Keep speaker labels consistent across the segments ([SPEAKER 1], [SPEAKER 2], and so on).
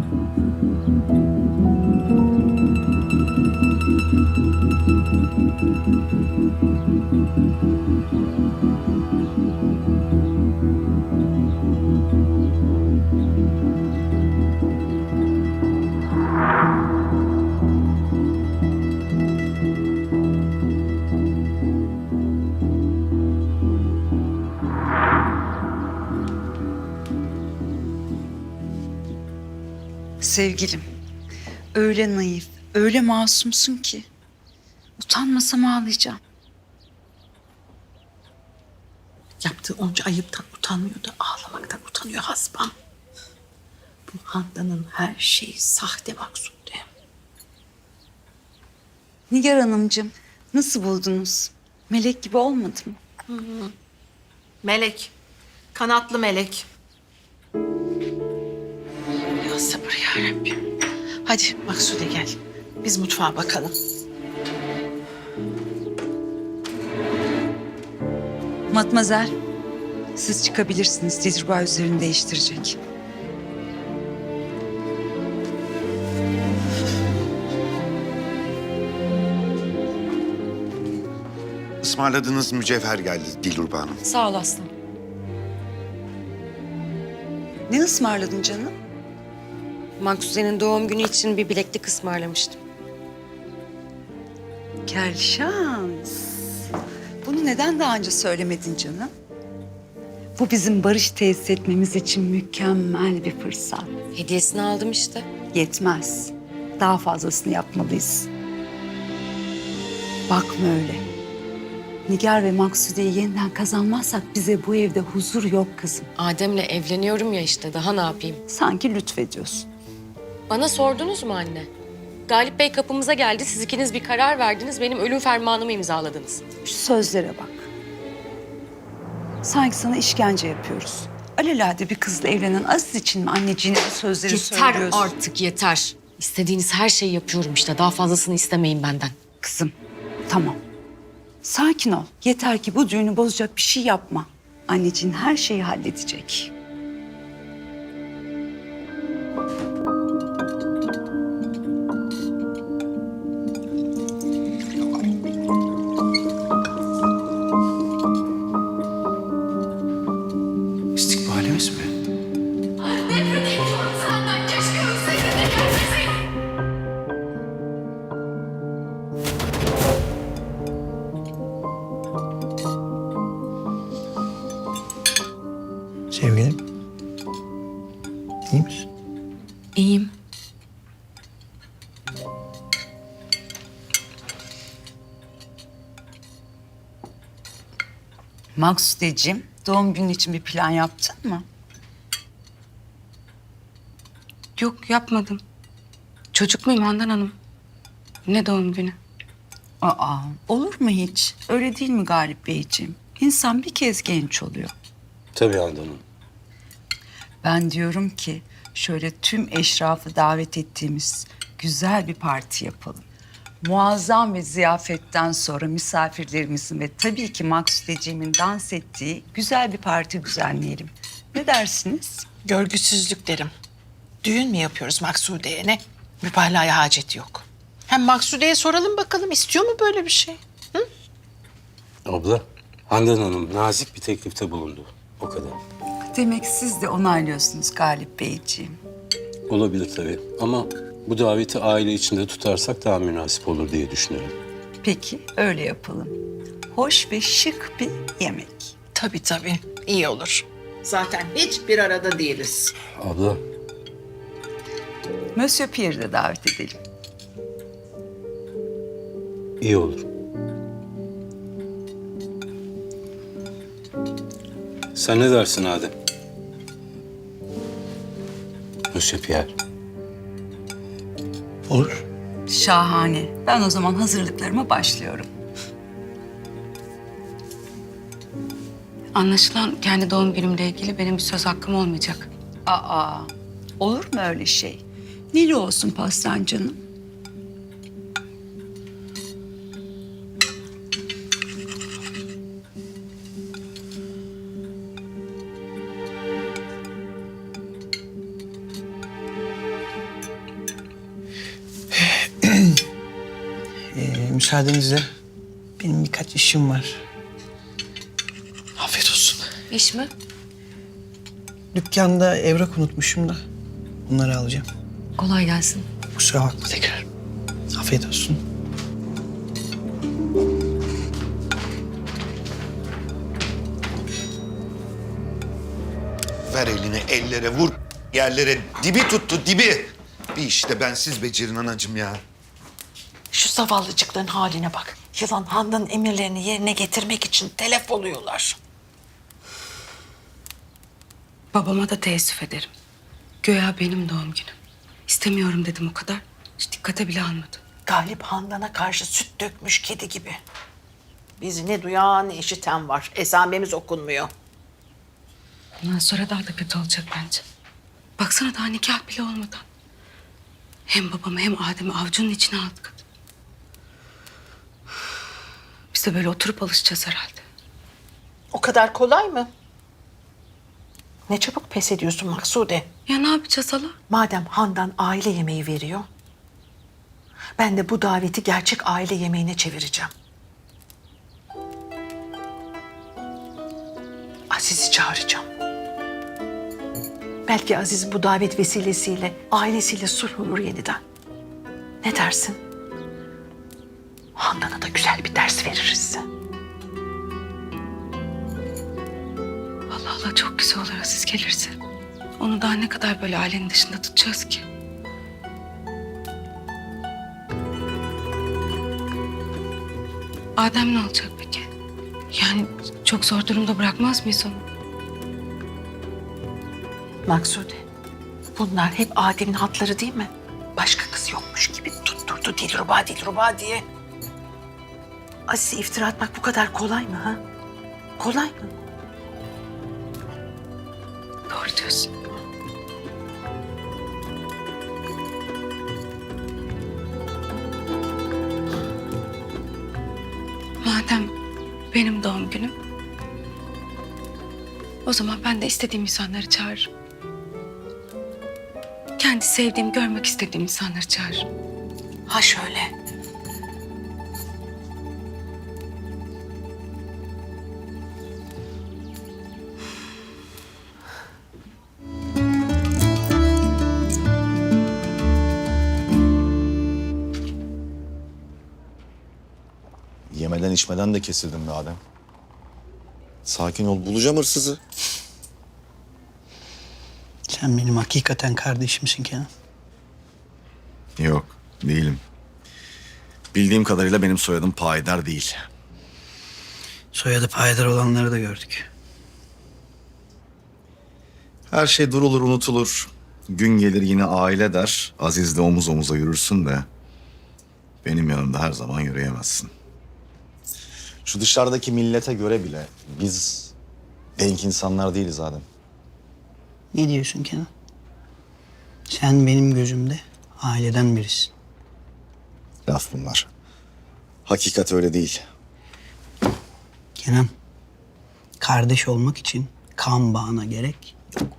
[SPEAKER 1] Sevgilim, öyle naif, öyle masumsun ki. Utanmasam ağlayacağım.
[SPEAKER 2] Yaptığı onca ayıptan utanmıyor da ağlamaktan utanıyor hasbam. Bu Handan'ın her şeyi sahte Maksude.
[SPEAKER 1] Nigar Hanımcığım, nasıl buldunuz? Melek gibi olmadı mı?
[SPEAKER 2] Melek. Kanatlı melek. Ya sabır yarabbim. Hadi Maksude gel. Biz mutfağa bakalım.
[SPEAKER 1] Matmazel, siz çıkabilirsiniz. Dilruba üzerini değiştirecek.
[SPEAKER 3] Ismarladığınız mücevher geldi Dilruba Hanım.
[SPEAKER 4] Sağ ol Aslı.
[SPEAKER 1] Ne ısmarladın canım?
[SPEAKER 4] Maksude'nin doğum günü için bir bileklik ısmarlamıştım.
[SPEAKER 1] Kel şans. Bunu neden daha önce söylemedin canım? Bu bizim barış tesis etmemiz için mükemmel bir fırsat.
[SPEAKER 4] Hediyesini aldım işte.
[SPEAKER 1] Yetmez. Daha fazlasını yapmalıyız. Bakma öyle. Nigar ve Maksude'yi yeniden kazanmazsak bize bu evde huzur yok kızım.
[SPEAKER 4] Adem'le evleniyorum ya işte, daha ne yapayım?
[SPEAKER 1] Sanki lütfediyorsun.
[SPEAKER 4] Bana sordunuz mu anne? Galip Bey kapımıza geldi, siz ikiniz bir karar verdiniz, benim ölüm fermanımı imzaladınız.
[SPEAKER 1] Şu sözlere bak. Sanki sana işkence yapıyoruz. Alelade bir kızla evlenen Aziz için mi anneciğine bu sözleri
[SPEAKER 4] Yeter
[SPEAKER 1] söylüyorsun?
[SPEAKER 4] artık, yeter. İstediğiniz her şeyi yapıyorum işte, daha fazlasını istemeyin benden.
[SPEAKER 1] Kızım, tamam. Sakin ol. Yeter ki bu düğünü bozacak bir şey yapma. Anneciğin her şeyi halledecek.
[SPEAKER 5] İstikbalimiz mi? Sevgilim. İyi misin?
[SPEAKER 4] İyiyim.
[SPEAKER 1] Maksudeciğim, doğum günü için bir plan yaptın mı?
[SPEAKER 6] Yok yapmadım. Çocuk muyum Handan Hanım? Ne doğum günü?
[SPEAKER 1] Aa, olur mu hiç? Öyle değil mi Galip Beyciğim? İnsan bir kez genç oluyor.
[SPEAKER 7] Tabii Handan Hanım.
[SPEAKER 1] Ben diyorum ki şöyle tüm eşrafı davet ettiğimiz güzel bir parti yapalım. Muazzam bir ziyafetten sonra misafirlerimizin ve tabii ki Maksudeciğimin dans ettiği güzel bir parti düzenleyelim. Ne dersiniz?
[SPEAKER 2] Görgüsüzlük derim. Düğün mü yapıyoruz Maksude'ye ne? Mübalağaya hacet yok. Hem Maksude'ye soralım bakalım istiyor mu böyle bir şey?
[SPEAKER 7] Abla, Handan Hanım nazik bir teklifte bulundu. O kadar.
[SPEAKER 1] Demek siz de onaylıyorsunuz Galip Beyciğim.
[SPEAKER 7] Olabilir tabii ama bu daveti aile içinde tutarsak daha münasip olur diye düşünüyorum.
[SPEAKER 1] Peki öyle yapalım. Hoş ve şık bir yemek.
[SPEAKER 2] Tabii iyi olur. Zaten hiç bir arada değiliz.
[SPEAKER 7] Abla,
[SPEAKER 1] Monsieur Pierre'i de davet edelim.
[SPEAKER 7] iyi olur. Sen ne dersin Adem? Monsieur Pierre.
[SPEAKER 5] Olur.
[SPEAKER 1] Şahane. Ben o zaman hazırlıklarıma başlıyorum.
[SPEAKER 6] Anlaşılan kendi doğum günümle ilgili benim bir söz hakkım olmayacak.
[SPEAKER 1] Aa, olur mu öyle şey? Neli olsun pastan canım?
[SPEAKER 5] müsaadenizle benim birkaç işim var. Afiyet olsun.
[SPEAKER 6] İş mi?
[SPEAKER 5] Dükkanda evrak unutmuşum da bunları alacağım.
[SPEAKER 6] Kolay gelsin.
[SPEAKER 5] Kusura bakma tekrar. Afiyet olsun.
[SPEAKER 3] Ver elini ellere vur. Yerlere dibi tuttu dibi. Bir işte bensiz becerin anacığım ya.
[SPEAKER 2] Şu zavallıcıkların haline bak. Yılan Handan'ın emirlerini yerine getirmek için telef oluyorlar.
[SPEAKER 6] Babama da teessüf ederim. Göya benim doğum günüm. İstemiyorum dedim o kadar. Hiç dikkate bile almadı.
[SPEAKER 2] Galip Handan'a karşı süt dökmüş kedi gibi. Bizi ne duyan ne işiten var. Esamemiz okunmuyor.
[SPEAKER 6] Bundan sonra daha da kötü olacak bence. Baksana daha nikah bile olmadan. Hem babamı hem Adem'i avucunun içine aldık. Biz de böyle oturup alışacağız herhalde.
[SPEAKER 2] O kadar kolay mı? Ne çabuk pes ediyorsun Maksude.
[SPEAKER 6] Ya ne yapacağız hala?
[SPEAKER 2] Madem Handan aile yemeği veriyor, ben de bu daveti gerçek aile yemeğine çevireceğim. Aziz'i çağıracağım. Belki Aziz bu davet vesilesiyle ailesiyle sulh olur yeniden. Ne dersin? Handan'a da güzel bir ders veririz.
[SPEAKER 6] Allah Allah çok güzel olur Aziz gelirse. Onu daha ne kadar böyle ailenin dışında tutacağız ki? Adem ne olacak peki? Yani çok zor durumda bırakmaz mıyız onu?
[SPEAKER 2] Maksude, bunlar hep Adem'in hatları değil mi? Başka kız yokmuş gibi tutturdu Dilruba Dilruba diye. Aziz'e iftira atmak bu kadar kolay mı ha? Kolay mı?
[SPEAKER 6] Doğru diyorsun. Madem benim doğum günüm, o zaman ben de istediğim insanları çağırırım. Kendi sevdiğim, görmek istediğim insanları çağırırım.
[SPEAKER 2] Ha şöyle.
[SPEAKER 8] Yemeden içmeden de kesildin be Adem. Sakin ol, bulacağım hırsızı.
[SPEAKER 5] Sen benim hakikaten kardeşimsin Kenan.
[SPEAKER 8] Yok, değilim. Bildiğim kadarıyla benim soyadım Payidar değil.
[SPEAKER 5] Soyadı payidar olanları da gördük.
[SPEAKER 8] Her şey durulur, unutulur. Gün gelir yine aile der. Aziz'le omuz omuza yürürsün de... benim yanımda her zaman yürüyemezsin. Şu dışarıdaki millete göre bile biz denk insanlar değiliz Adem.
[SPEAKER 5] Ne diyorsun Kenan? Sen benim gözümde aileden birisin.
[SPEAKER 8] Laf bunlar. Hakikat öyle değil.
[SPEAKER 5] Kenan, kardeş olmak için kan bağına gerek yok.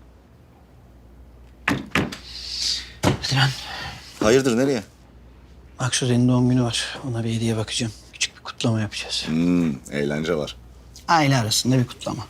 [SPEAKER 5] Hadi lan.
[SPEAKER 8] Hayırdır, nereye?
[SPEAKER 5] Maksude'nin doğum günü var. Ona bir hediye bakacağım. Küçük bir kutlama yapacağız.
[SPEAKER 8] Eğlence var.
[SPEAKER 5] Aile arasında bir kutlama.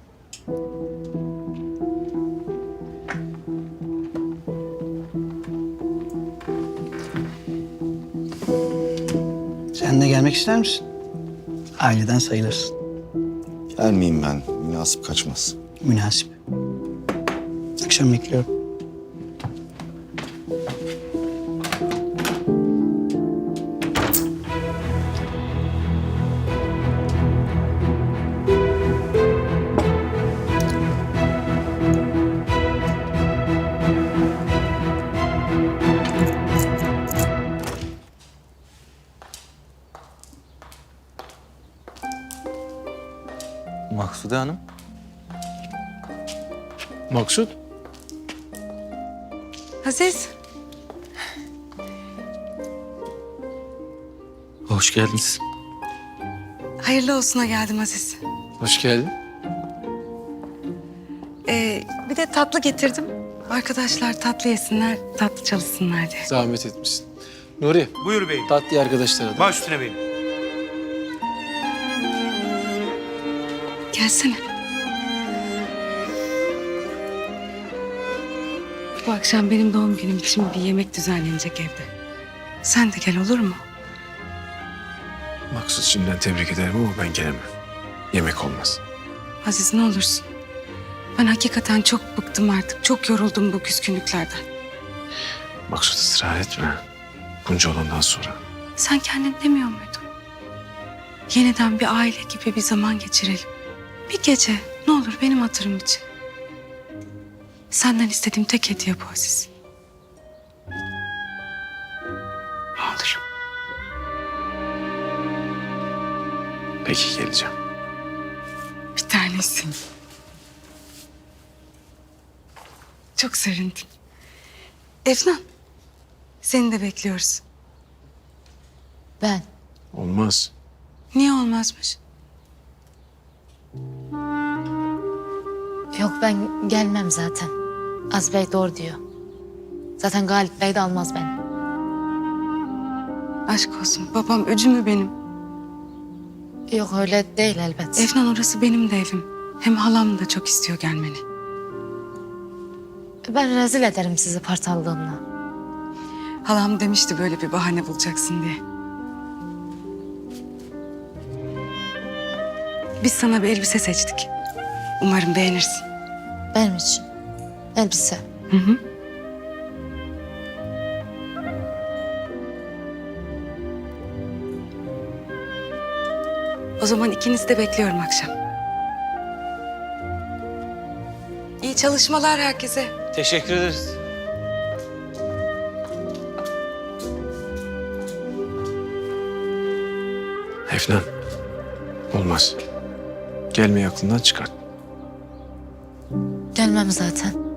[SPEAKER 5] Sen de gelmek ister misin? Aileden sayılırsın.
[SPEAKER 8] Gelmeyeyim ben. Münasip kaçmaz.
[SPEAKER 5] Münasip. Akşam bekliyorum.
[SPEAKER 9] Maksude Hanım. Maksut.
[SPEAKER 6] Aziz,
[SPEAKER 9] Hoş geldiniz.
[SPEAKER 6] hayırlı olsuna geldim Aziz.
[SPEAKER 9] Hoş geldin.
[SPEAKER 6] Bir de tatlı getirdim. Arkadaşlar tatlı yesinler, tatlı çalışsınlar diye.
[SPEAKER 9] Zahmet etmişsin. Nuri,
[SPEAKER 10] Buyur beyim.
[SPEAKER 9] tatlı arkadaşlara da.
[SPEAKER 10] Baş üstüne beyim.
[SPEAKER 6] Gelsene. Bu akşam benim doğum günüm için bir yemek düzenlenecek evde. Sen de gel olur mu?
[SPEAKER 11] Maksut, şimdiden tebrik ederim ama ben gelemem. Yemek olmaz.
[SPEAKER 6] Aziz ne olursun. Ben hakikaten çok bıktım artık. Çok yoruldum bu küskünlüklerden.
[SPEAKER 11] Maksut, ısrar etme. Bunca olandan sonra.
[SPEAKER 6] Sen kendin demiyor muydun? Yeniden bir aile gibi bir zaman geçirelim. Bir gece ne olur benim hatırım için. Senden istediğim tek hediye bu Aziz. Ne olur.
[SPEAKER 11] Peki, geleceğim.
[SPEAKER 6] Bir tanesin. Çok sevindim. Efnan, seni de bekliyoruz.
[SPEAKER 2] Ben.
[SPEAKER 11] Olmaz.
[SPEAKER 6] Niye olmazmış?
[SPEAKER 2] Yok, ben gelmem zaten. Az Bey doğru diyor. Zaten Galip Bey de almaz beni.
[SPEAKER 6] Aşk olsun, babam öcü mü benim?
[SPEAKER 2] Yok, öyle değil elbet.
[SPEAKER 6] Efnan, orası benim de evim. Hem halam da çok istiyor gelmeni.
[SPEAKER 2] Ben rezil ederim sizi partallığımla.
[SPEAKER 6] Halam demişti böyle bir bahane bulacaksın diye. Biz sana bir elbise seçtik. Umarım beğenirsin.
[SPEAKER 2] Benim için. Elbise.
[SPEAKER 6] Hı hı. O zaman ikinizi de bekliyorum akşam. İyi çalışmalar herkese.
[SPEAKER 9] Teşekkür ederiz.
[SPEAKER 11] Efnan, olmaz. Gelmeyi aklından çıkart.
[SPEAKER 2] Gelmem zaten.